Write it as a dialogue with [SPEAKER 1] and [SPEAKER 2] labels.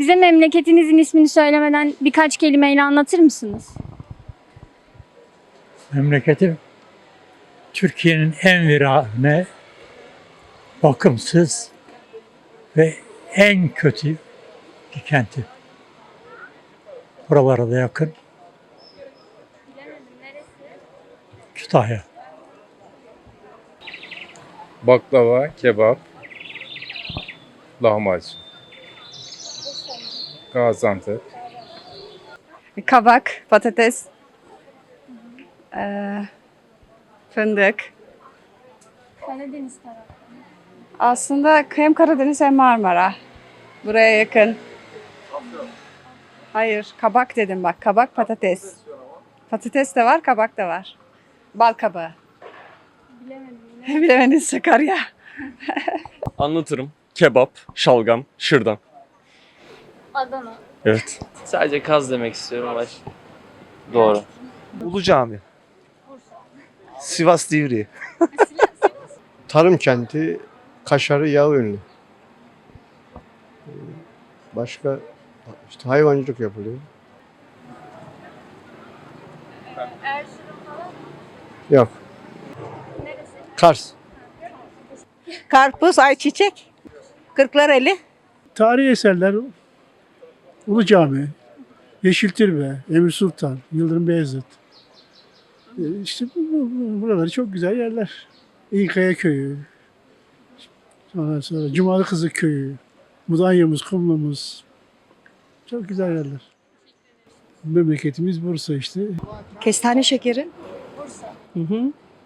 [SPEAKER 1] Bize memleketinizin ismini söylemeden birkaç kelimeyle anlatır mısınız?
[SPEAKER 2] Memleketim Türkiye'nin en virane, bakımsız ve en kötü bir kenti. Buralara da yakın. Kütahya.
[SPEAKER 3] Baklava, kebap, lahmacun. Gaziantep.
[SPEAKER 4] Kabak, patates, fındık.
[SPEAKER 1] Karadeniz tarafı.
[SPEAKER 4] Aslında hem Karadeniz hem Marmara. Buraya yakın. Hayır, kabak dedim bak. Kabak, patates. Patates de var, kabak da var. Bal kabağı.
[SPEAKER 1] Bilemedim.
[SPEAKER 4] Bilemediniz Sakarya.
[SPEAKER 5] Anlatırım. Kebap, şalgam, şırdan.
[SPEAKER 1] Adana.
[SPEAKER 5] Evet.
[SPEAKER 6] Sadece kaz demek istiyorum ama doğru.
[SPEAKER 7] Ulu Cami. Sivas Divriği.
[SPEAKER 8] Tarım kenti, kaşarı yağı ünlü. Başka işte hayvancılık yapılıyor. Yok. Kars.
[SPEAKER 9] Karpuz, ayçiçek, Kırklareli.
[SPEAKER 10] Tarihi eserler Ulu Cami, Yeşiltürbe, Emir Sultan, Yıldırım Beyazıt. İşte buraları çok güzel yerler. İnkaya Köyü, ondan sonra Cumalı Kızı Köyü, Mudanya'mız, Kumlu'muz. Çok güzel yerler. Memleketimiz Bursa işte.
[SPEAKER 9] Kestane şekeri.
[SPEAKER 1] Bursa.
[SPEAKER 9] Hı hı.